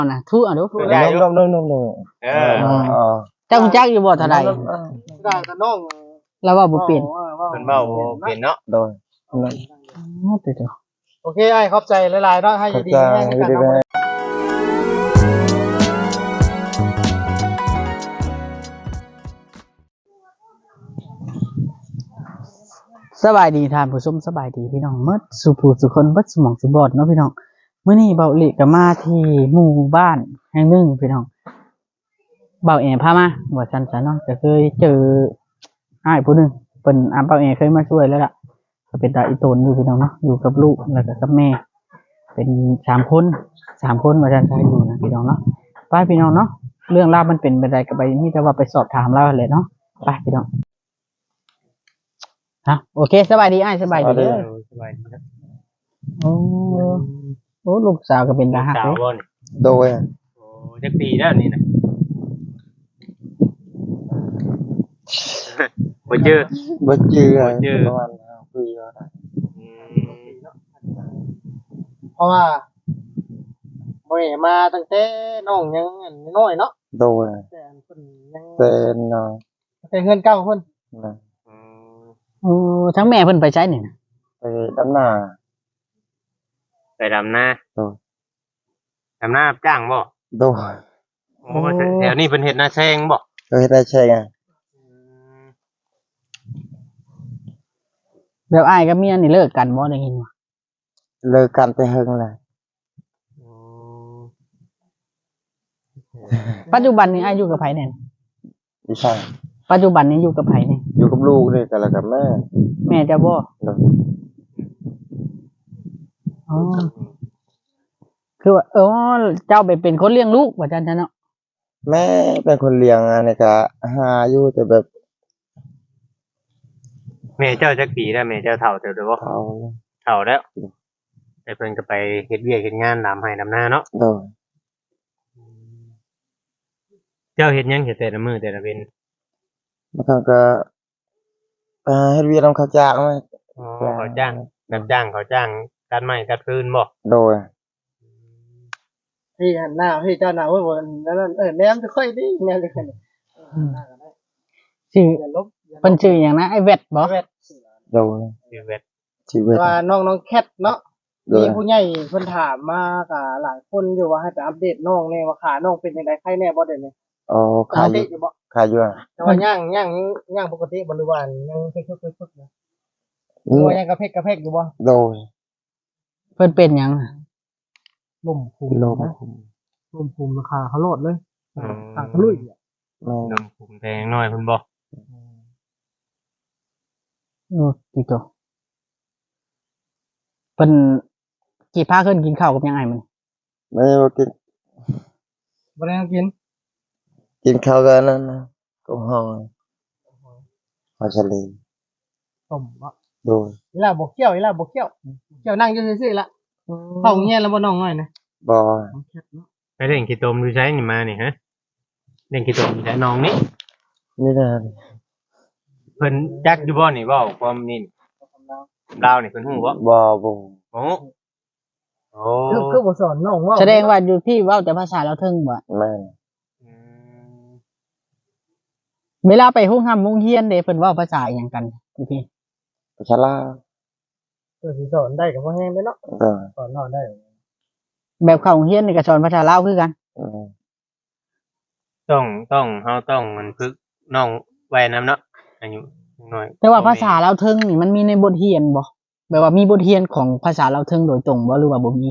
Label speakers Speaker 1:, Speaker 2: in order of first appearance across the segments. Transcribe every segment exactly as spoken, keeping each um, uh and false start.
Speaker 1: นะทุอ่ะดู
Speaker 2: ได้อยู่
Speaker 3: นมนมนมนม
Speaker 2: เออ
Speaker 1: เจ้าคุณจักอยู่บ่เท่าใด
Speaker 4: ได้ก็น้อง
Speaker 1: แล้วว่าบ่เปลี่ยน
Speaker 2: เพิ่นเว้าบ่เป็นเนาะ
Speaker 3: โดย
Speaker 1: อ๋อเดี๋ยว
Speaker 4: โอเคไอ้ขอบใจหลายๆเนาะให้อยู่ดีแม่กันเนาะ
Speaker 1: สบายดีท่านผู้ชมสบายดีพี่น้องเมื่อสุผู้สุคนเบิดสมองสุบอดเนาะพี่น้องมื้อนี้เบาอิก็มาที่หมู่บ้านแห่งหนึ่งพี่น้องเบาเอพามาว่าซั่นซะเนาะก็เคยเจออ้ายผู้หนึงเพิ่นอาเบาเอเคยมาช่วยแล้วล่ะก็เป็นตาอีโตนอยู่พี่น้องเนาะอยู่กับลูกแล้วก็กับแม่เป็นสามคนสามคนว่าซั่นซะอยู่นะพี่น้องเนาะไปพี่น้องเนาะเรื่องราวมันเป็นไปได้ก็ไปนี่แต่ว่าไปสอบถามเราแหละเนาะไปพี่น้องฮะโอเคสบายดีอ้ายสบายดีเด้อ
Speaker 2: สบายดีนะ
Speaker 1: โอ้โอ้ลูกสาวก็เป็นทหาร
Speaker 2: สาวบ่นี่
Speaker 3: โดย
Speaker 2: โอ้จักปีแล้วนี่นะบ่เจอ
Speaker 3: บ่จือ
Speaker 2: บ่จือ
Speaker 3: ประมาณห้าปีแล้วนะ
Speaker 2: อืม
Speaker 4: เพราะว่าบ่ได้มาตั้งแต่น้องยังน้อยเนาะ
Speaker 3: โดย
Speaker 4: แต่เพิ่นยัง
Speaker 3: เป็นเนาะ
Speaker 4: แต่เงินเก่าเพิ่น
Speaker 3: นะ
Speaker 2: อืม
Speaker 1: โอ้ทั้งแม่เพิ่นไปใช้นี่นะ
Speaker 3: ไปดำนา
Speaker 2: ไปดำนา
Speaker 3: โดย
Speaker 2: ดำนารับจ้างบ่
Speaker 3: โดย
Speaker 2: โอ้แถวนี้เพิ่นเฮ็ดนาแซงบ่
Speaker 3: เคยได้ใช่ไง
Speaker 1: แบบอ้ายกับเมียนี่เลิกกันบ่ได้ยินว่า
Speaker 3: เลิกกันไปเฮงเลย
Speaker 2: อืม
Speaker 1: ปัจจุบันนี้อ้ายอยู่กับไผเนี่ย
Speaker 3: ดิฉัน
Speaker 1: ปัจจุบันนี้อยู่กับไผเนี่ย
Speaker 3: อยู่กับลูกนี่กันแล้วกับแม่
Speaker 1: แม่เจ้าบ่
Speaker 3: โดย
Speaker 1: อ๋อคือว่าเออเจ้าไปเป็นคนเลี้ยงลูกว่าจังซั่นเนาะ
Speaker 3: แม่เป็นคนเลี้ยงอันนี้ก็หาอยู่แต่แบบ
Speaker 2: แม่เจ้าจักปีแล้วแม่เจ้าเฒ่าเติบโตบ่
Speaker 3: เขา
Speaker 2: เฒ่าแล้วแต่เพิ่นก็ไปเฮ็ดเวียกเฮ็ดงานดำให้ดำนาเนาะ
Speaker 3: โดย
Speaker 2: เจ้าเฮ็ดหยังเฮ็ดแต่ละมื้อแต่ละเว้น
Speaker 3: มันก็ก็ไปหาเฮ็ดเวียกนำเขาจ้างมา
Speaker 2: อ๋อเขาจ้างรับจ้างเขาจ้างตัดไม้ตัดฟืนบ่
Speaker 3: โดย
Speaker 4: ที่หันหน้าพี่เจ้าหน้าเว้ยบ่นั่นเออแนมจะค่อยดีแนมจะค่อย
Speaker 1: ชื่อ
Speaker 4: อย่าลบ
Speaker 1: เพิ่นชื่อหยังนะไอ้แวดบ่
Speaker 4: เวท
Speaker 3: โดย
Speaker 2: ชีวิต
Speaker 3: ชีวิต
Speaker 4: ว่าน้องน้องแคทเนาะ
Speaker 3: โดย
Speaker 4: มีผู้ใหญ่เพิ่นถามมาก็หลายคนอยู่ว่าให้ไปอัปเดตน้องแน่ว่าขาน้องเป็นจังได๋ใครแน่บ่เดี๋ยวนี้
Speaker 3: อ๋อ
Speaker 4: ป
Speaker 3: ขาย
Speaker 4: ก
Speaker 3: อ
Speaker 4: ติ
Speaker 3: ยู่
Speaker 4: อยู่บ่
Speaker 3: ขายอยู่อะ
Speaker 4: แต่ว่าย่างย่างย่างปกติบ่หรือว่ายังคึกๆๆๆนะห
Speaker 3: อื
Speaker 4: รือ
Speaker 3: ม
Speaker 4: ว่ายังกระเพกกระเพกอยู่บ่
Speaker 3: โดย
Speaker 1: เพิ่นเป็นหยังอะ
Speaker 4: ล่มคุม
Speaker 3: โลก
Speaker 4: นะล่มคุมราคาเขาโลดเลย
Speaker 2: อืม
Speaker 4: ขาทะลุยอ่ะ
Speaker 3: แม่
Speaker 2: นำภูมิแพงน้อยเพิ่นบ่
Speaker 1: โอ้ติโตเพิ่นกี่พาขึ้นกินข้าวกับหยังไงมัน
Speaker 3: ไม่ได้ว่ากิน
Speaker 4: บ่ได้กิน
Speaker 3: กินข้าวกันนั่นนะก็ห้องหอชะลี
Speaker 4: ต้มบ่
Speaker 3: โดย
Speaker 4: อีหล่าบ่เคี่ยวอีหล่าบ่เคี่ยวเคี่ยวนั่งอยู่ซื่อๆละเข้าโรงเรียนแล้วบ่น้องน้อยนะ
Speaker 3: บอ
Speaker 2: ไปเล่นขี้ตมดูใช้นี่มานี่ฮะเล่นขี้ตมใช้น้องนี่
Speaker 3: นี่นะ
Speaker 2: เพิ่นจักอยู่บ่นี่เว้าความนี่ลาวนี่เพิ่นฮู้บ่
Speaker 3: บอบอ
Speaker 2: โอ้โอ้
Speaker 4: คือคือบ่สอนน้องว่า
Speaker 1: แสดงว่าอยู่ที่เว้าแต่ภาษาเราวเทิงบ่
Speaker 3: แม่น
Speaker 2: อืม
Speaker 1: เวลาไปโรงหำโรงเรียนเด้เพิ่นเว้าภาษาอิหยังกันอยู่พี่
Speaker 3: ชะลา
Speaker 4: เออสิสอนได้ก็บ่แฮงเด้เนาะ
Speaker 3: โดย
Speaker 4: สอนน้องได้
Speaker 1: แบบเข้าโรงเรียนนี่ก็สอนภาษาลาวคือกัน
Speaker 3: อืม
Speaker 2: ต้องต้องเฮาต้องมันฝึกน้องไว้นำเนาะอายุน้อย
Speaker 1: แต่ว่าภาษาลาวเทิงนี่มันมีในบทเรียนบ่แบบว่ามีบทเรียนของภาษาลาวเทิงโดยตรงบ่หรือว่าบ่มี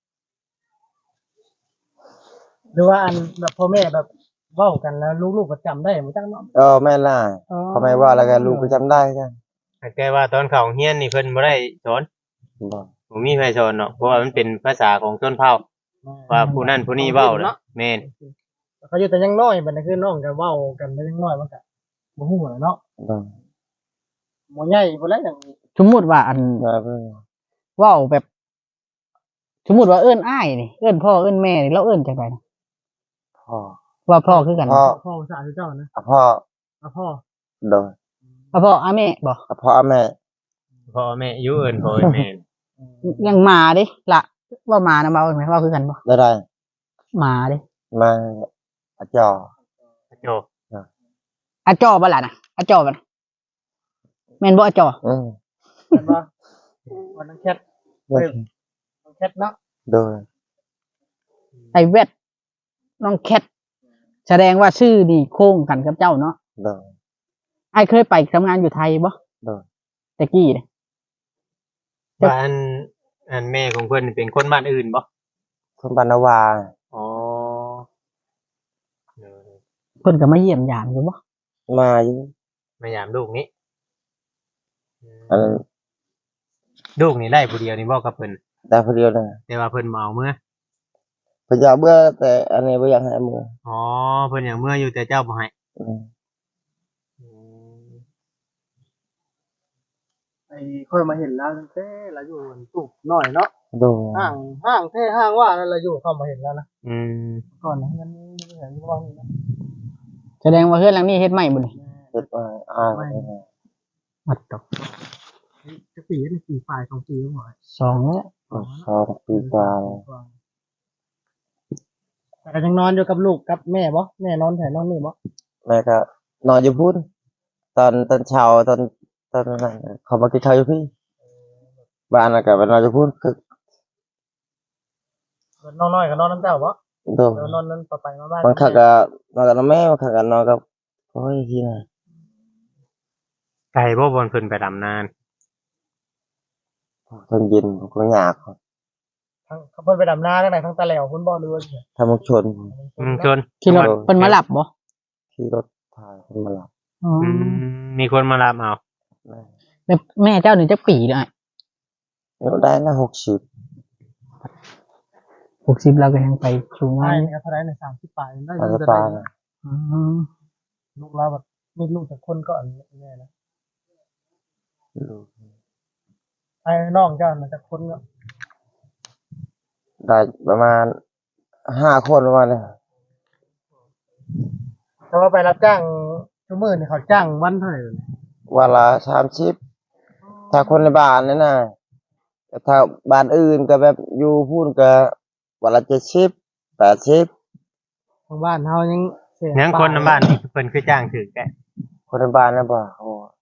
Speaker 4: หรือว่าอันแบบพ่อแม่แบบเว้ากันแล้วลูกๆก็จำได้บ่จังเนาะ
Speaker 3: เออแม่ล่ะเขาไม่ว่าแล้วกันลูกก็จำได้กัน
Speaker 2: แต่ว่าตอนเข้าโรงเรียนนี่เพิ่นบ่ได้สอน
Speaker 3: บอ
Speaker 2: บ่มีใครสอนเนาะเพราะว่ามันเป็นภาษาของชนเผ่าว่าผู้นั้นผู้นี้เว้าเนาะแม่น
Speaker 4: เขาอยู่แต่ยังน้อยบัดนี้คือน้องก็เว้ากันแต่ยังน้อยมันก็บ่ฮู้แหละเนาะ
Speaker 3: บอ
Speaker 4: บ่ใหญ่พุ่นแหละอย่าง
Speaker 1: สมมุติว่าอัน
Speaker 3: มาเพิ่ง
Speaker 1: เว้าแบบ สมมุติว่าเอิ้นอ้ายนี่เอิ้นพ่อเอิ้นแม่นี่เราเอิ้นจังไดนะ
Speaker 3: พ่อ
Speaker 1: ว่าพ่อคือกัน
Speaker 3: พ่อ
Speaker 4: พ่อภาษาเจ้านะ
Speaker 3: พ่อ
Speaker 4: อ่ะพ่อ
Speaker 3: โดย
Speaker 1: ว่าพ่ออาแม่บ่
Speaker 3: พ่อแม่
Speaker 2: พ่อแม่อยู่เอิ้นพ่อเอิ้นแม่
Speaker 1: ยังมาเด้ละว่ามานะเว้าไหมว่าคือกันบ่
Speaker 3: ได้ได้
Speaker 1: หมาเด้
Speaker 3: มาอาจอ
Speaker 2: โจ
Speaker 1: อาจอบ่ล่ะนะอาจอบ่นะแม่นบ่อาจอ
Speaker 3: อืม
Speaker 4: เห็นบ่วันนั้นแคท
Speaker 3: โดย
Speaker 4: น้องแคทเนาะ
Speaker 3: โดย
Speaker 1: ไอเวทน้องแคทแสดงว่าชื่อนี่โค้งกันกับเจ้าเนาะ
Speaker 3: โดย
Speaker 1: ไอเคยไปทำงานอยู่ไทยบ่
Speaker 3: โดย
Speaker 1: ตะกี้เนี่ย
Speaker 2: บ้านอันแม่ของเพิ่นนี่เป็นคนบ้านอื่นบ่
Speaker 3: คนบานนาวา
Speaker 2: อ๋อ
Speaker 1: เพิ่นก็มาเยี่ยมยามอยู่บ่
Speaker 3: มาอยู่
Speaker 2: มายามลูกนี้
Speaker 3: อันนั้น
Speaker 2: ลูกนี่ได้ผู้เดียวนี่บ่กับเพิ่น
Speaker 3: ได้คนเดียวนะ
Speaker 2: แต่ว่าเพิ่นมาเอาเมื่อ
Speaker 3: พยาเบื่อแต่อันนี้ไม่อยากให้มือ
Speaker 2: อ๋อเพิ่นอย่างเมื่ออยู่แต่เจ้าบ่ให้
Speaker 3: อืม
Speaker 4: ไอ้ค่อยมาเห็นแล้วตั้งแต่เราอยู่ตุกหน่อยเนาะ
Speaker 3: โดย
Speaker 4: ห้างห้างแท้ห้างว่านั่นเราอยู่เข้ามาเห็นแล้วนะ
Speaker 2: อืม
Speaker 4: ก่อนนะงั้นไม่เห็นว่านี่นะ
Speaker 1: แสดงว่าเฮือนหลังนี้เฮ็ดใหม่บ่นี่
Speaker 3: เฮ็ดมาอ่านไปนะ
Speaker 1: อัดตก
Speaker 4: จะปีนี่ปีฝ่ายของปีหมด
Speaker 1: สองแล้ว
Speaker 3: สองปีกว่าแล้ว
Speaker 4: แต่ก็ยังนอนอยู่กับลูกกับแม่บ่แม่นอนแถวนอนนี่บ่
Speaker 3: แม่ก็นอนอยู่พุ่นตอนตอนเช้าตอนตอนนั้นน่ะเขามากินข้าวอยู่พี่บ้านน่ะก็ไปนอนอยู่พุ่นคือ
Speaker 4: นอนน้อยก็นอนน้ำเจ้าบ่
Speaker 3: โดย
Speaker 4: เดี๋ยวนอนนั้นต่อไปมาบ้าน
Speaker 3: บางครั้งก็นอนกับแม่บางครั้งก็นอนกับโอ้ยที่ไหน
Speaker 2: ไก่บ่บนเพิ่นไปดำนาน
Speaker 3: ตอนเย็นผมก็อยาก
Speaker 4: ทั้งเขาเพิ่นไปดำนาทั้งไหนทั้งตะแหลวพุ่นบ่หรือว่า
Speaker 3: ทำมุกชน
Speaker 2: อืมชน
Speaker 1: ขี่รถเพิ่นมารับบ่
Speaker 3: ขี่รถพาคนมาหลับ
Speaker 1: อ๋อ
Speaker 2: อืมมีคนมารับเอา
Speaker 3: แม่
Speaker 1: แล้วแม่เจ้านี่จักปีเด้อ
Speaker 3: แล้วได้นะหกสิบ
Speaker 1: หกสิบแล้วก็ยังไปชูงา
Speaker 4: ใช่
Speaker 1: น
Speaker 4: นี่ก็เท่าไหร่ในสามสิบปลายได้
Speaker 3: อาจ
Speaker 4: เงิ
Speaker 3: จะ
Speaker 4: นจะ
Speaker 3: ปา
Speaker 4: ได้
Speaker 3: นะ
Speaker 1: อ๋อ
Speaker 4: ลูกเราแบบมีลูกจากคนก็อันแน่นะ
Speaker 3: ลูก
Speaker 4: ไอ้น้องเจ้าน่ะจากคนก็
Speaker 3: ได้ประมาณห้าคนประมาณนี้
Speaker 4: แต่ว่าไปรับจ้างชั่วโมงนี่เขาจ้างวันเท่าไหร่
Speaker 3: วันละสามสิบถ้าคนในบ้านนี่นะแต่ถ้าบ้านอื่นก็แบบอยู่พูนก็วันละเจ็ดสิบแปดสิบ
Speaker 4: ทางบ้านเฮายังเสีย
Speaker 2: ยังคนในบ้านนี่เพิ่นคือจ้างถือแกะ
Speaker 3: คนในบ้านนะบ่โอ้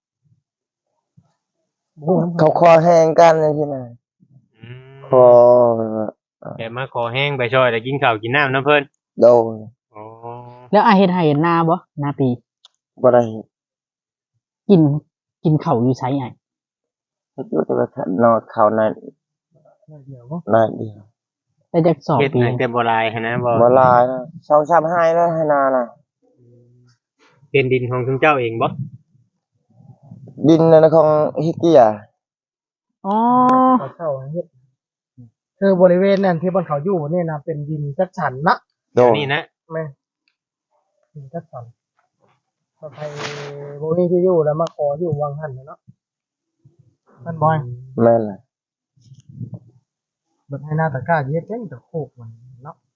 Speaker 4: โอ้โห
Speaker 3: เขาคอแห้งกันเลยที่ไหน
Speaker 2: อืม
Speaker 3: คอ
Speaker 2: แกมาขอแห้งไปช่วยแต่กินข้าวกินน้ำน้ำเพิ่น
Speaker 3: โดน
Speaker 2: อ๋อ
Speaker 1: แล้วอาเฮ็ดให้เฮ็ดนาบ่นาปี
Speaker 3: บ่ได้
Speaker 1: กินกินข้าวอยู่ไสไอ้
Speaker 3: เฮ็ดอยู่แต่ว่านอนเขาใน
Speaker 4: เดี๋ยวบ่
Speaker 3: ในเดียว
Speaker 1: ได้จักสอง
Speaker 2: เฮ็ด
Speaker 1: ปี
Speaker 2: ให้แต่บ่หลายหั้นนะบ่
Speaker 3: บ่หลายนะสองสามให้แล้วให้นาน่ะ
Speaker 2: เป็นดินของคุณเจ้าเองบ่
Speaker 3: ดินนั่นของฮิกเกีย
Speaker 1: อ๋อ
Speaker 4: เขาเช่าเฮ็ดคือบริเวณนั้นที่บนเขาอยู่นี่นะเป็นดินจัดสรรนะ
Speaker 3: โดน
Speaker 2: นี่นะ
Speaker 4: แม่ดินจัดสรรถ้าใครบ่มีที่อยู่แล้วมาขออยู่วังหันน่ะเนาะมันบ่อย
Speaker 3: แม่นล่ะ
Speaker 4: เบิดให้หน้าตะกร้าเฮ็ดจังแต่โคกมันเนาะ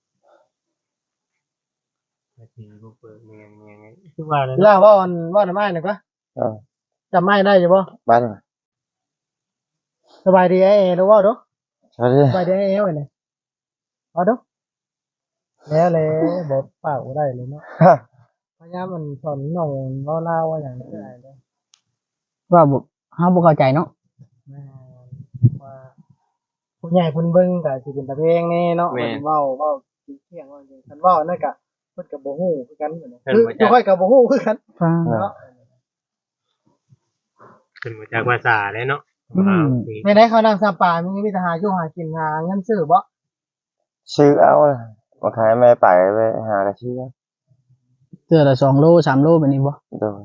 Speaker 2: ทีบ่เปิดเมียงเมียงไงคือว่าแล้ว
Speaker 4: เวลาว่าวันว่าน้ำไม้น่ะก็
Speaker 3: เออ
Speaker 4: จำไม้ได้อยู่บ่
Speaker 3: บ้าน
Speaker 4: สบายดีไอ้เอ๋รู้ว่าเด้อ
Speaker 3: ใช่ดิ
Speaker 4: สบายดีไอ้เอ๋ไว้เนี่ยเอาเด้อแล้วเลยบ่ปากบ่ได้เลยเนาะ
Speaker 3: ฮะ
Speaker 4: พยายามมันสอนน้องเว้าลาวว่าหยังได้เด้อ
Speaker 1: ว่าบ่เฮาบ่เข้าใจเนาะ
Speaker 4: แม่ว่าผู้ใหญ่เพิ่นเบิ่งก็สิเป็นตาเพลงแน่เนาะเพิ่นเว้าเว้าสิเที่ยงว่าจังซั่นเว้านั่นก็เพิ่นก็บ่ฮู้คือกันเหมือนกันคืออยู่ค่อยก็บ่ฮู้คือกัน
Speaker 1: ฟัง
Speaker 4: เนาะ
Speaker 2: เพิ่นบ่จักภาษาเลยเนาะ
Speaker 1: อืม
Speaker 4: ในได้เขานั่งซาปามีมีแต่หาอยู่หากินหาเงินซื้อบ่
Speaker 3: ชื่อเอาล่ะมาขายแม่ไปไปหากระชื่อ
Speaker 1: เทื่อละสองโลสามโลแบบนี้บ่
Speaker 3: โดน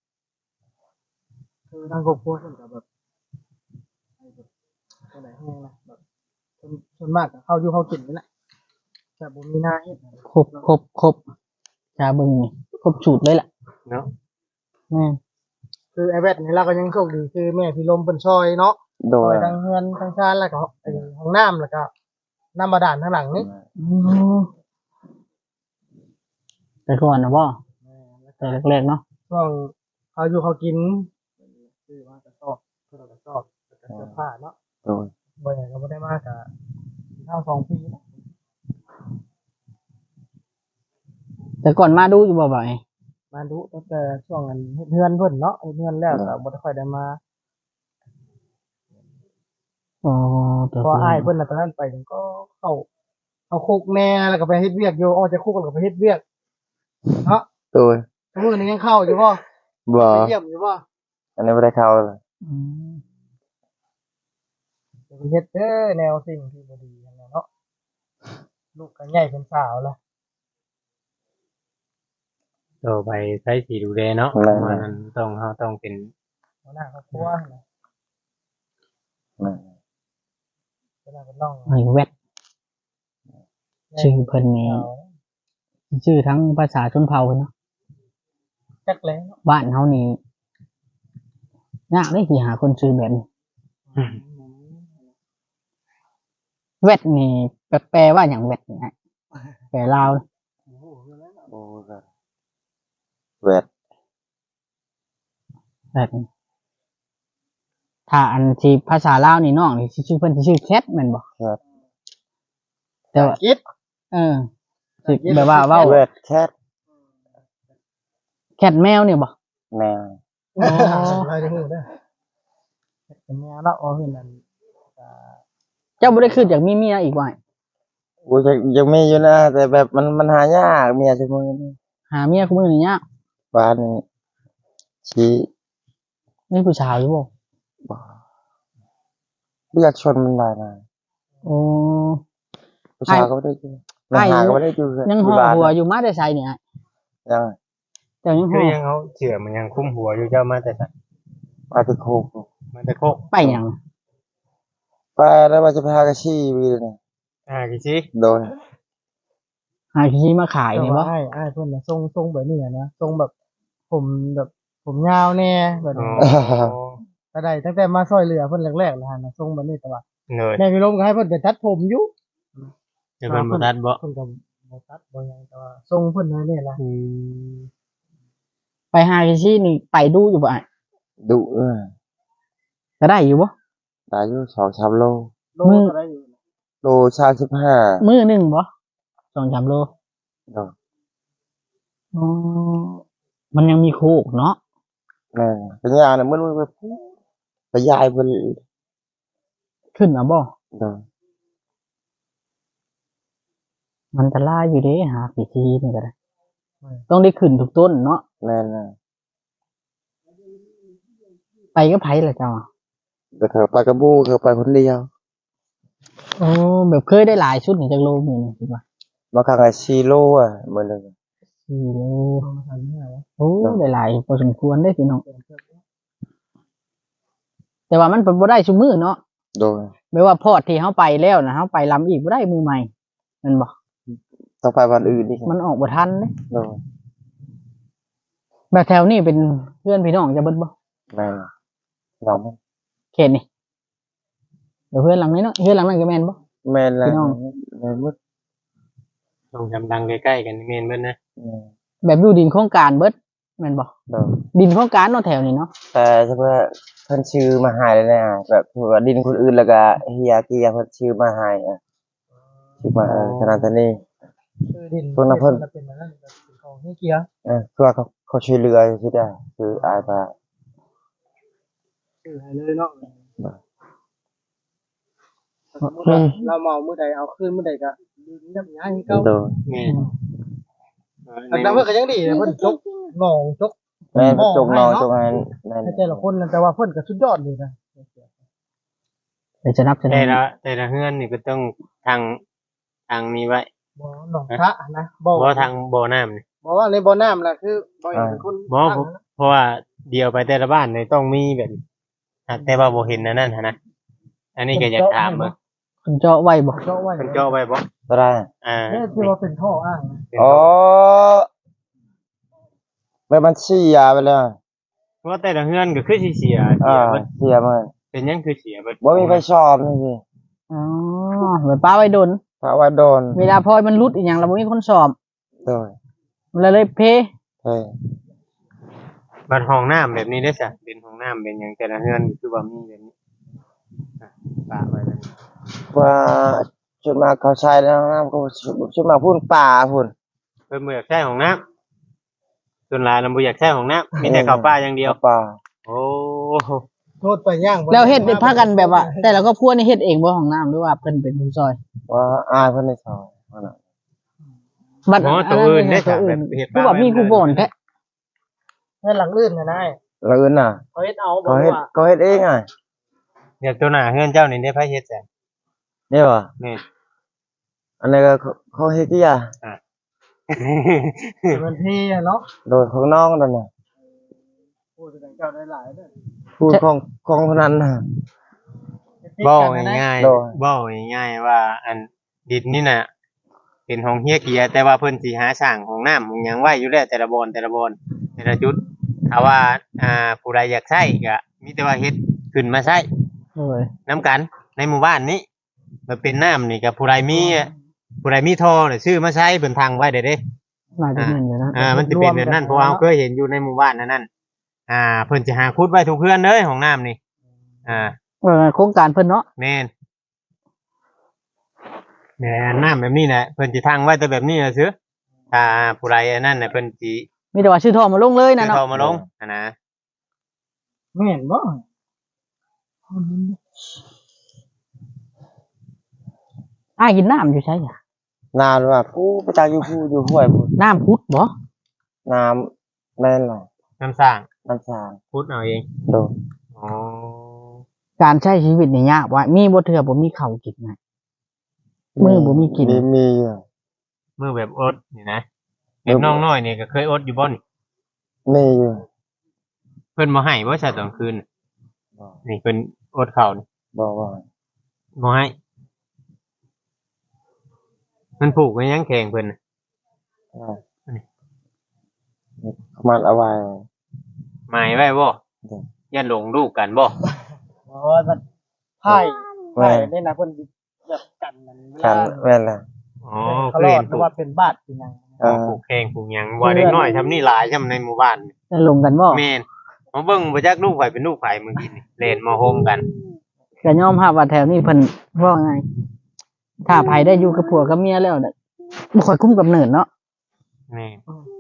Speaker 4: คือทางครอบครัวเพิ่นก็แบบให้แบบจังได๋แฮงนะแบบส่วนส่วนมากก็เข้าอยู่เข้ากินนี่แหละแต่บ่มีหน้าเฮ็ด
Speaker 1: ครบครบครบจาเบิ่งนี่ครบสูตรเลยล่ะ
Speaker 2: เนาะ
Speaker 1: แม่น
Speaker 4: คือไอ้แวดนี่เราก็ยังโชคดีคือแม่พี่ลมเพิ่นช่วยเนาะ
Speaker 3: โด
Speaker 4: ช่วน ยทั้งเฮือนทั้งชานแล้วก็ไอ้ห้องน้ำแล้วก็น้ำบาดาลข้างหลังนี่
Speaker 1: อืมแต่ก่อนนะบ่แต่แรกๆเนาะ
Speaker 4: ช่วงเขาอยู่เขากินคือว่ากระสอบเพื่อกระสอบแล้วก็เสื้อผ้าเนาะ
Speaker 3: โดน
Speaker 4: บ่อย่างก็บ่ได้มากกะเท่าสองปีนะ
Speaker 1: แต่ก่อนมาดูอยู่บ่บ่อย
Speaker 4: มาดูตั้งแต่ช่วงนั้นเฮ็ดเฮือนเพิ่นเนาะเฮ็ดเฮือนแล้วก็บ่ได้ค่อยได้มา
Speaker 1: อ๋อตัว
Speaker 4: เพราะอ้ายเพิ่นน่ะตอนนั้นไปก็เข้าเข้าคุกแน่แล้วก็ไปเฮ็ดเวียกอยู่ออกจากคุกแล้วก็ไปเฮ็ดเวียกเนาะ
Speaker 3: โดย
Speaker 4: มื้อนี้ยังเข้าอยู่บ่
Speaker 3: บ่
Speaker 4: ไปเยี่ยมอยู่บ่
Speaker 3: อันนี้บ่ได้เข้าเลย
Speaker 1: อืม
Speaker 4: ไปเฮ็ดเด้อแนวสิ่งที่บ่ดีนั่นแหละเนาะลูกก็ใหญ่เป็นสาวแล้ว
Speaker 2: ต่อไปใช้สีดูแลเนาะเพราะว่ามันต้องเฮาต้องเป็น
Speaker 4: หัวหน้าครอบครัวนะ
Speaker 3: นั่น
Speaker 4: เวลาเป็นน้อง
Speaker 1: ไอ้แวดชื่อเพิ่นนี่ชื่อทั้งภาษาชนเผ่าเนาะ
Speaker 4: จักแล้วเนาะ
Speaker 1: บ้านเฮานี่ยากเลยที่หาคนชื่อแบบนี้แวดนี่แปลแปลว่าอย่างแวดนี่ฮะแปลลาว
Speaker 4: โอ้โหเรื่องนั้นเนาะ
Speaker 3: โอ้ก็แวด
Speaker 1: แวดนี่ถ้าอันที่ภาษาลาวนี่น้องนี่สิชื่อเพิ่นสิชื่อแคทแม่นบ่
Speaker 3: ครับ
Speaker 1: แต่ว่า
Speaker 4: คิด
Speaker 1: เออสิแบบว่าเว้า
Speaker 3: แวดแคท
Speaker 1: แคทแมวเนี่ยบ่
Speaker 3: แมว
Speaker 1: อ๋อ
Speaker 4: เราจะฮู้เด้อเป็นแม่เนาะอ๋อเพิ่นนั่นอ่า
Speaker 1: เจ้าบ่ได้ขึ้นจากมีเมียอีกว่า
Speaker 3: โอ้ยยังยังมีอยู่นะแต่แบบมันมันหายากเมียชั่วโมงนี้
Speaker 1: หาเมียคุมื้อนี่ยาก
Speaker 3: บ้านนี้ชี้
Speaker 1: มีผู้ชายอยู่บ่
Speaker 3: บ่เลือดชนมันได้นะ
Speaker 1: โอ้
Speaker 3: ผู้ชายก็ไม่ได้อยู่มันหาก็ไม่ได้อยู่
Speaker 1: ยังห่อหัวอยู่มาแต่ไสเนี่ย
Speaker 3: ยัง
Speaker 1: เจ้ายังห่
Speaker 2: คือ อยังเขาเชื่อมันยังคุ้มหัวอยู่เจ้ามาแต่สัตว์
Speaker 3: มาติโคก
Speaker 2: มาแต่โคก
Speaker 1: ไปหยัง
Speaker 3: ไปแล้วว่าจะไปหากระชี้วีเลยนะ
Speaker 2: อ่ากี่สิ
Speaker 3: โดน
Speaker 1: หาที่มาขายนี่บ่
Speaker 4: อ้ายอ้ายเพิ่นน่ะทรงทรงแบบนี้อะนะทรงแบบผมแบบผมยาวแน่แบบ
Speaker 2: อ๋อ
Speaker 4: นี้ก็ได้ตั้งแต่มาซอยเหลือเพิ่นแรกๆแล้วหั่นน่ะทรงแบบนี้แต่ว่า
Speaker 2: เหนื่อย
Speaker 4: แม่พี่ลมก็ให้เพิ่นไปตัดผมอยู่
Speaker 2: เดี๋ยวเป็นบ่ทันบ่
Speaker 4: เพิ่นก็บ่ตัดบ่หยังแต่ว่าทรงเพิ่นนั่นนี่ล่ะ
Speaker 2: อืม
Speaker 1: ไปหาที่นี่ไปดูอยู่บ่อ่ะ
Speaker 3: ดุเออ
Speaker 1: ก็ได้อยู่บ่
Speaker 3: ได้อยู่สองสามโล
Speaker 4: โลก็ได้อยู่
Speaker 3: โลชาสิบห้า
Speaker 1: มื้อหนึงบ่สองสามโล
Speaker 3: โดน
Speaker 1: อ๋อมันยังมีโคกเนาะ
Speaker 3: แม่นเป็นยาเนี่ยมันไปพูดไปยายเพิ่น
Speaker 1: ขึ้นมาบ่
Speaker 3: โดน
Speaker 1: มันจะล่าอยู่เด้หากี่ทีนี่ก็ได้ต้องได้ขึ้นทุกต้นเนาะ
Speaker 3: แม่นนะ
Speaker 1: ไปก็ไผล่ะเจ้า
Speaker 3: แต่เขาไปกับบูเขาไปคนเดียว
Speaker 1: โอ้แบบเคยได้หลายชุดนี่จักโลมื้อนึงคิดว่า
Speaker 3: มาข้างไอ้ซีโร่อ่ะเหมือนเลย
Speaker 1: สี่โล
Speaker 4: โลละพันห้าร้อย
Speaker 1: โอ้ได้หลายพอสมควรเด้พี่น้องแต่ว่ามันเป็นบ่ได้ซุมื้อเนาะ
Speaker 3: โดน
Speaker 1: ไม่ว่าพอดที่เฮาไปแล้วนะเฮาไปลำอีกบ่ได้มือใหม่แม่นบ่
Speaker 3: ต้องไปวันอื่นอีก
Speaker 1: มันออกบ่ทันเด้
Speaker 3: โดน
Speaker 1: แบบแถวนี้เป็นเพื่อนพี่น้องจะเบิดบ่
Speaker 3: แม่นน้องมัน
Speaker 1: เขตนี่เดี๋ยวเพื่อนหลังนี้เนาะเพื่อนหลังนั้นก็แม่นบ่
Speaker 3: แม่นแล้ว
Speaker 1: พี่น้อง
Speaker 3: แม่นหมด
Speaker 2: ต้องจำดังใกล้ๆกันนี่แม่นเบิ่นนะ
Speaker 3: แม่น
Speaker 1: แบบอยู่ดินโครงการเบิดแม่นบ่
Speaker 3: โดน
Speaker 1: ดินโครงการเนาะแถวนี้เนาะ
Speaker 3: แต่เฉพาะเพิ่นชื่อมาใหายเลยนะแบบว่าดินคนอื่นแล้วก็เฮียเกียเพิ่นชื่อมาใหายอ่ะชื่อมาเออขนาดนี้
Speaker 4: คือดิน
Speaker 3: เพิ่นน่ะเพิ่น
Speaker 4: เป็นอันนั้นเป็นของเฮียเกียร์
Speaker 3: เออคือว่าเขาเขาช่วยเหลือที่ได้คืออายมา
Speaker 4: คือให้เลยเนาะ
Speaker 1: อืม
Speaker 4: เราเมามื้อใดเอาคืนมื้อใดก็ดินยับยั้งเก่า
Speaker 3: โดน
Speaker 2: แม่น
Speaker 4: อันนั้นเพิ่นก็ยังดีนะเพิ่นจกหนองจก
Speaker 3: แม่น
Speaker 4: มอง
Speaker 3: จงนอน
Speaker 4: ให้เนาะ
Speaker 3: จงนั้นนั่น
Speaker 4: ให้แต่ละคนนั่นแต่ว่าเพิ่นก็สุดยอดเลยนะ
Speaker 1: เดี๋ยวจะนับจะ
Speaker 2: แต่
Speaker 1: ได้
Speaker 2: ละแต่ละเฮือนนี่ก็ต้องทางทางนี้ไว้
Speaker 4: บ่หนองพระนะบ่
Speaker 2: บ่ทางบ่อน้ำนี่
Speaker 4: บ่ว่าในบ่อน้ำน่ะคือบ่เห็นเป็นคน
Speaker 2: บ่
Speaker 4: ตั้ง
Speaker 2: เพราะ
Speaker 4: นะ
Speaker 2: เพราะว่าเดียวไปแต่ละบ้านนี่ต้องมีแบบหากแต่ว่าบ่เห็นอันนั้นหันนะอันนี้ก็อยากถามเบิ่ง
Speaker 1: คนเจาะไว้บ่
Speaker 4: เจาะไว้
Speaker 2: เพิ่นเจาะไว้บ่
Speaker 3: ก็ได้
Speaker 2: อ่า
Speaker 4: เนี่ยที่ว่าเป็นท่ออ้างนะ
Speaker 2: เป็น
Speaker 3: อ๋อแบบมันเสียไปแล้ว
Speaker 2: เพราะว่าแต่ละเฮือนก็คือสิเสียเสี
Speaker 3: อ่าย
Speaker 2: เบิด
Speaker 3: เสียมัน
Speaker 2: เป็นหยังคือเสียเบิด
Speaker 3: บ่มีไฟชอบนี่สิ
Speaker 1: อ๋อเหมือนป้าไว้ดน
Speaker 3: เพราะว่าโดน
Speaker 1: เวลาพอยมันรุดอีหยังแล้วบ่มีคนสอบ
Speaker 3: โดน
Speaker 1: มันเลยเลยเพ
Speaker 3: เฮ้ย
Speaker 2: บัดห้องน้ำแบบนี้ได้อจ้ะเป็นห้องน้ำเป็นหยังแต่ละเฮือนก็คือว่ามีแบบนี้อ่ะปะไว้แบบนี้
Speaker 3: ว่าจุดมาเขาใช้แล้วน้ำก็จุดมาพุ่นป่าพุ่น
Speaker 2: เอพิ่นบ่อยากใช้ห้องน้ำส่วนหลายเราบ่อยากใช้ห้องน้ำมีแต่เข้าป่าอย่างเดียว
Speaker 3: ข้ป่า
Speaker 2: โอ้
Speaker 4: โทษไปย่าง
Speaker 1: แล้วเฮ็ดพากันแบบว่า แต่ละครอบครัวนี่เฮ็ดเองบ่ห้องน้ำหรือว่าเพิ่นเป็นผู้ซอย
Speaker 3: ว่าอายเพิ่นในซอยว่าน่ะ
Speaker 1: บัด
Speaker 2: หมอตัวอื่นได้
Speaker 1: ตั
Speaker 2: จ้ะ
Speaker 1: ว
Speaker 2: แบ
Speaker 1: อื่น
Speaker 2: บเฮ็ด
Speaker 1: คือว่ามีผู้บ่นแท้
Speaker 4: เงินหลังลื่นนะนาย
Speaker 3: แล้วอื่นน่ะ
Speaker 4: เขาเฮ็ดเอาบอ
Speaker 3: เขา
Speaker 4: ก
Speaker 3: เฮ็ด
Speaker 4: ว่า
Speaker 3: เขาเฮ็ดเองอ่ะ
Speaker 2: เดี๋ยวตัวหน้าเฮือนเจ้านี่ได้ไผเฮ็ดจ้ะ
Speaker 3: นี่ว่ะ
Speaker 2: นี่
Speaker 3: อันนี้ก็เขาเขาเฮ็ดที่อ่ะ
Speaker 4: มันพี่อะเนาะ
Speaker 3: โดยของน้องนั่นน่ะ
Speaker 4: พูดถึงเจ้าได้หลายเด้อ
Speaker 3: พูดของของคนนั้นน่ะ
Speaker 2: เว้าง่าย
Speaker 3: โดย
Speaker 2: ๆเว้าง่ายๆว่า อันดินนี่น่ะเป็นห้องเฮียเกียแต่ว่าเพิ่นสิหาสร้างห้องน้ำห้องหยังไว้อยู่แล้วแต่ละบอนแต่ละบอนแต่ละจุดถ้าว่าอ่าผู้ใดอยากใช้ก็มีแต่ว่าเฮ็ดขึ้นมาใช้
Speaker 1: โอ้ย
Speaker 2: น้ำกันในหมู่บ้านนี้มันเป็นน้ำนี่กับผู้ใดมีผู้ใดมีท่อเนี่ยชื่อมาใช้เป็นทางไว้เด้เด้
Speaker 1: น่าจะเป็นอยู่นะ
Speaker 2: อ่ามันจะเป็นแบบนั้นเพราะว่าเราเคยเห็นอยู่ในหมู่บ้านนั่นนั่นอ่าเพิ่นจะหาคุดไว้ทุกเพื่อนเลยของน้ำนี่อ่า
Speaker 1: เออโครงการเพิ่นเนาะ
Speaker 2: แม่นแม่นน้ำแบบนี้แหละเพิ่นจะทางไว้แต่แบบนี้นะซื้อถ้าผู้ใดอันนั่นน่ะเพิ่นสิ
Speaker 1: มีแต่ว่าชื่อทอมาลงเลยนะ
Speaker 2: ซื้อ
Speaker 1: เนาะ
Speaker 2: ท่อมาลงอ่ะนะ
Speaker 4: ไม่เห็นบ่
Speaker 1: อ้ายกินน้ำอยู่ใช่จ้ะ
Speaker 3: นานว่าผู้ประจักษ์อยู่ผู้อยู่ห้วยผู้
Speaker 1: น้ำพุดบ่
Speaker 3: น้ำแม่นล่ะ
Speaker 2: น้ำสร้าง
Speaker 3: น้ำสาง
Speaker 2: คุดเอาเอง
Speaker 3: โดย
Speaker 2: อ๋อ
Speaker 1: การใช้ชีวิตนี่ยากว่ามีบ่เทื่อบ่มีข้าวกินนะ มือบ่มีกิน
Speaker 3: มีมีอยู่
Speaker 2: มือแบบอดนี่นะเด็กน้องน้อยนี่ก็เคยอดอยู่บ่นี่
Speaker 3: มีอยู่
Speaker 2: เพิ่นบ่ให้บ่ใช่ตอนคืน
Speaker 3: บ่
Speaker 2: นี่เพิ่นอดข้าวนี่
Speaker 3: บอกว่า
Speaker 2: บ่ให้มันผูกไว้ยังแข็งเพิ่นน่ะ
Speaker 3: อ่าเขามันเอาไว้
Speaker 2: หมายไว้บ่อย่าหลงลูกกันบ่
Speaker 4: โอ้ยมันไพ่ไพ่ได้นะเพิ่นแบบกันนั่นเว
Speaker 3: กั
Speaker 4: ลาน
Speaker 3: แม่นล่ะ
Speaker 2: อ๋อ
Speaker 4: เขา
Speaker 2: เค
Speaker 4: ร
Speaker 2: ย
Speaker 4: อ
Speaker 2: เห็
Speaker 4: ด
Speaker 2: น
Speaker 4: เพ
Speaker 2: ผู
Speaker 4: ราะ
Speaker 2: ก
Speaker 4: ว่าเป็นบาดเป็นหยัง
Speaker 3: อ่า
Speaker 2: ผูกแข็งผูกหยังว่าเด็กน้อยทำนี่หลายซำในหมู่บ้าน
Speaker 1: จะลงกันบ่
Speaker 2: แม่นมาเบิ่งบ่จักลูกไผเป็นลูกไผเมื่อกี้นี่เล่นมาโฮมกัน
Speaker 1: ก็ยอมรับว่าแถวนี้เพิ่นว่าไงถ้าไผได้อยู่กับผัวกับเมียแล้วเนี่ยบ่ค่อยคุ้มกับเนิดเนาะ
Speaker 2: แม่น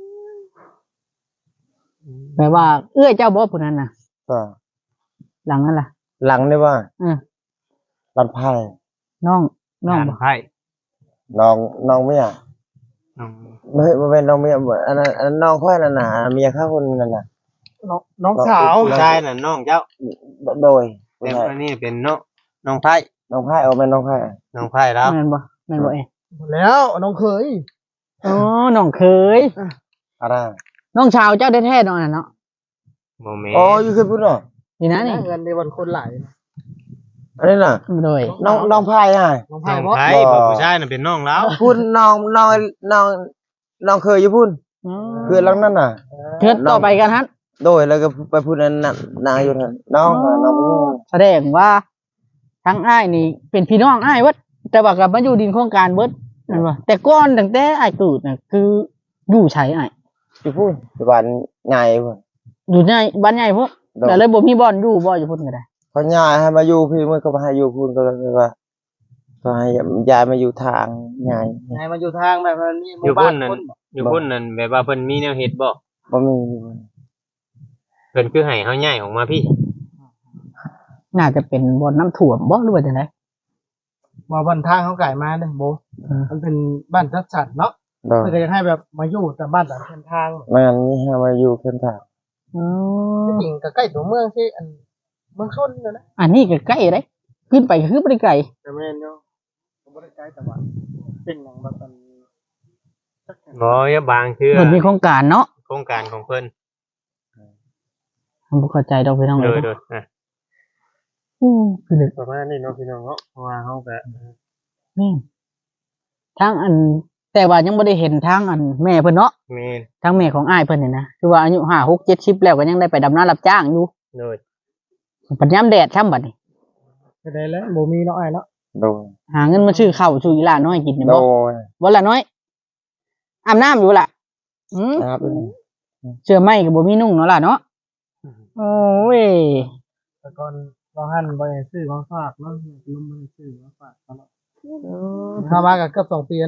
Speaker 1: แปลว่า เอื้อยเจ้าบ่ผู้นั้นน่ะ
Speaker 3: ก็
Speaker 1: หลังนั่นล่ะ
Speaker 3: หลังนี่ว่า
Speaker 1: เออ
Speaker 3: ลันไพ่
Speaker 1: น้องน้อง
Speaker 2: งาน
Speaker 1: บ่
Speaker 2: ไผ
Speaker 3: น้องน้องเมีย
Speaker 2: น้อง
Speaker 3: ไม่ไม่เป็นน้องเมียอันนั้นอันนั้นน้องค่อยนั่นน่ะเมียข้าคนนั่นน่ะ
Speaker 4: น้องน้องสาว
Speaker 2: ผู้ชายน่ะน้องเจ้า
Speaker 3: โดย
Speaker 2: แต่อันนี้เป็นน้องน้องไผ
Speaker 3: น้องไพ่เอาเป็นน้องไพ่
Speaker 2: น้องไผแล้ว
Speaker 1: แม่นบ่แม่นบ่เอง
Speaker 4: หมดแล้วน้องเคย
Speaker 1: อ๋อน้องเคย
Speaker 3: อะไร
Speaker 1: น้องชาวเจ้าแท้ๆน้องน่ะเนาะ
Speaker 2: บ่แม่น
Speaker 3: อ๋ออยู่เคยพูดเหรอ
Speaker 1: นี่นะนี่
Speaker 4: เงินในวันคนหลาย
Speaker 3: อันนี้น่ะ
Speaker 1: โดย
Speaker 3: น้องน้องไพ่อ่ะ
Speaker 4: น้อง
Speaker 2: น้
Speaker 4: ไพ่
Speaker 2: อง
Speaker 4: บ่
Speaker 2: ไผ
Speaker 3: บ่
Speaker 2: บ่ผู้ชายน่ะเป็นน้องแล้ว
Speaker 3: พูดน้องน้องน้องน้องเคยอยู่พูด
Speaker 1: อ๋อ
Speaker 3: คือหลังนั้นน่ะ
Speaker 1: เทิดต่อไปกันฮัน
Speaker 3: โดยแล้วก็ไปพูดนั้นน่ะนางอยู่นั่นน้องน่ะน้องนี่
Speaker 1: แสดงว่าทั้งอ้ายนี่เป็นพี่น้องอ้ายเบิดแต่ว่ากับมาอยู่ดินโครงการเบิดนั่นว่าแต่ก่อนตั้งแต่อ้ายเกิดน่ะคืออยู่ไสอ้าย
Speaker 3: อยู่พูดอยู่บ้านใหญ่พูด
Speaker 1: อยู่ในบ้านใหญ่พวก
Speaker 3: โดย
Speaker 1: แต่เลยบ่มีบ่อนอยู่บ่อยู่พุ่นก็ได้
Speaker 3: เขาย้ายให้มาอยู่พี่มันก็มาให้อยู่พูดก็เลยว่าก็ให้ย้ายมาอยู่ทางใหญ่
Speaker 4: ไงมาอยู่ทางแบบมันมีห
Speaker 2: อ
Speaker 4: มู่
Speaker 2: ยู่
Speaker 4: บ้า
Speaker 2: พุ่
Speaker 4: น
Speaker 2: นนั่น
Speaker 4: คนบ่
Speaker 2: อยู่พุ่นนั่นแบบว่าเพิ่นมีแนวเฮ็ดบ่
Speaker 3: บ่มี
Speaker 2: เพิ่นคือให้เฮาย้ายออกมาพี่
Speaker 1: น่าจะเป็นบ่อนน้ำท่วมบ่หรือว่าจังได๋
Speaker 4: บ่บ้านทางเขาไก่มาเด้อโบมันเป็นบ้านจัดสรรเนาะ
Speaker 3: โดย
Speaker 4: เพื่อจะให้แบบมาอยู่แต่บ้านแต่เส้นทาง
Speaker 3: แม่นนี่ให้มาอยู่เพิ่นทาง
Speaker 1: อ๋อ
Speaker 4: จริงก็ใกล้ตัวเมืองที่อันเมืองชนเลยนะ
Speaker 1: อันนี้ก็ใกล้เด้ขึ้นไปก็คือบ่ได้ไกล
Speaker 4: แต่แม่นเนาะผมบ่ได้ใกล้แต่ว่าเป็นอย่างแบบอันสักแห่ง
Speaker 2: บ่อย่าบางเทื่อ
Speaker 1: เพิ่นมีโครงการเนาะ
Speaker 2: โครงการของเพิ่น
Speaker 1: ผมบ่เข้าใจดอกพี่น้อง
Speaker 2: โด
Speaker 1: เลย ย
Speaker 2: โดยอ่ะ
Speaker 1: อือคือนึก
Speaker 2: ประมาณนี้เนาะพี่น้องเนาะเพราะว่าเฮาก็
Speaker 1: นี่ทางอัน แต่ว่ายังบ่ได้เห็นทางอันแม่เพิ่นเนาะ
Speaker 2: แม่น
Speaker 1: ทางแม่ของอ้ายเพิ่นนี่นะคือว่าอายุห้า หก เจ็ด สิบแล้วก็ยังได้ไปดำนารับจ้างอยู่
Speaker 2: โดย
Speaker 1: ปัญญามแดดช่ำบัดนี้
Speaker 4: ก็ได้แล้วบ่มีเนาะไอ้เนาะ
Speaker 3: โดย
Speaker 1: หาเงินมาซื้อข้าวซื้ออีหลาน้อยกินนี่
Speaker 3: โด
Speaker 1: บ่
Speaker 3: ย
Speaker 1: บ่ละน้อยอาบน้ำอยู่ล่ะอืม
Speaker 3: นะครับ
Speaker 1: เสื้อไหมก็บ่มีนุ่งเนาะล่ะเนาะโอ้ย
Speaker 4: แต่ก่อนเราหั่นบ่ได้ซื้อของฝากเนาะลมบ่ได้ซื้อของฝากตลอดเข้ามาก็เกือบสองปีแล้วเนาะ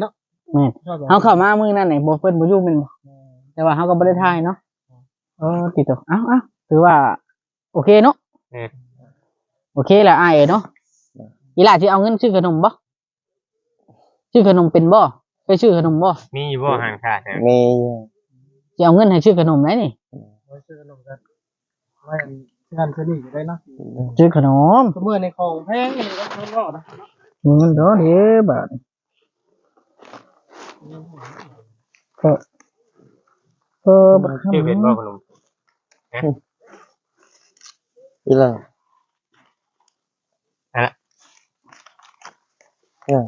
Speaker 1: แม่นเฮาเข้ามามื้อนั้นนี่บ่เพิ่นบ่อยู่แม่นบ่แต่ว่าเฮาก็บ่ได้ถ่ายเนาะเออติดต่อเอ้าๆถือว่า โอเคเนาะ
Speaker 2: อืม
Speaker 1: โอเคแหละอ้ายเอ้ยเนาะอีหล่าสิเอาเงินซื้อขนมบ่ซื้อขนมเป็นบ่ไปซื้อขนมบ่
Speaker 2: มีอยู่บ่ห่างขาดนะ
Speaker 3: มี
Speaker 1: สิเอาเงินให้ซื้อขนมไหนนี่
Speaker 4: ไว้ซื้อขนมกันไว้งานเสนีอยู่ได้เนาะ
Speaker 1: ซื้อขนม
Speaker 4: ก็เมื่อในของแพงนี่ก็เนาะนะ
Speaker 1: เงินดอกเด้อบาดก็ก็บ่
Speaker 2: ชื่อเป็นบ่ขนม
Speaker 3: อีหล่ะ
Speaker 2: ฮะ
Speaker 3: เนี่ย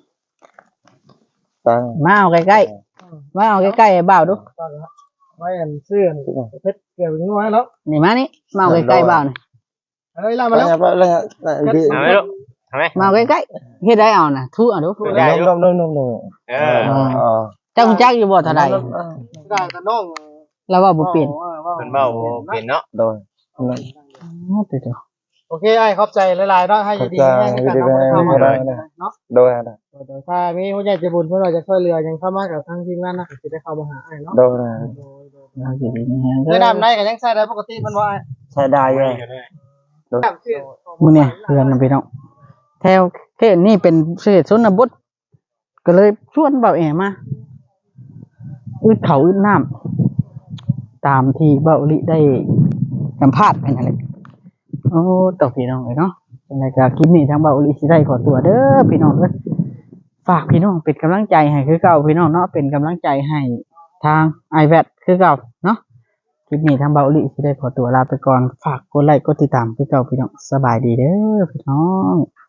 Speaker 3: ตัง
Speaker 1: มาเอาใกล้ๆมาเอาใกล้ๆให้บ่าวดู
Speaker 4: ไว้อันซื้อเพชรเกี่ยวกับน้อยแล้ว
Speaker 1: นี่มานี่มาเอาใกล้ๆบ่าวนี่
Speaker 4: เฮ้ยล่า
Speaker 3: มา
Speaker 4: มา
Speaker 3: แล้
Speaker 4: แล้ว ว
Speaker 3: แล้วพี่
Speaker 2: เอาไหมลูกเอาไหม
Speaker 1: มาเอาใกล้ๆเฮ็ดได้เอาน่ะทุเอาดู
Speaker 2: ได้อยู่
Speaker 3: นมนมนมนม
Speaker 2: เออ
Speaker 3: อ๋อ
Speaker 1: เจ้ารู้จักอยู่บ่เท่าใด
Speaker 4: ได้แต่น้อง
Speaker 1: แล้วว่าบ่เปลี่ยน
Speaker 2: มันเบาเปลี่ยนเนาะ
Speaker 3: โดย
Speaker 1: อ๋อติด
Speaker 4: โอเคไอ้ขอบใจหลายๆเนาะให้อยู่ดีแห้งกันเนาะเข้ามาเนาะ
Speaker 3: โดยนะ
Speaker 4: ถ้ามีผู้ใหญ่ใจบุญเพื่อเราจะช่วยเหลือยังเข้ามากับทางทีมงานนะจะได้เข้ามาหาไอ้เนาะ
Speaker 3: โดยนะ
Speaker 1: ๆเอาสิดีแฮง
Speaker 4: ได้ดำได้กันยังใช้ได้ปกติมันว่า
Speaker 3: ใช้ได้อ
Speaker 2: ไม่
Speaker 3: ยู่
Speaker 2: ก็ได้
Speaker 1: มื้อนี้เพื่อนนะพี่น้องแถวเขตนี่เป็นเขตชนบทก็เลยชวนเบาแอมาอึดเขาอึดน้ำตามที่เบาลิได้สัมภาษณ์ไปนั่นแหละโอ้ตกพี่น้องเลยเนาะในการคลิปนี้ทางเบาลิสิได้ขอตัวเด้อพี่น้องเด้อฝากพี่น้องเป็นกำลังใจให้คือเก่าพี่น้องเนาะเป็นกำลังใจให้ทาง ไอแพด คือเก่าเนาะคลิปนี้ทางเบาลิสิได้ขอตัวลาไปก่อนฝากกดไลค์กดติดตามคือเก่าพี่น้องสบายดีเด้อพี่น้อง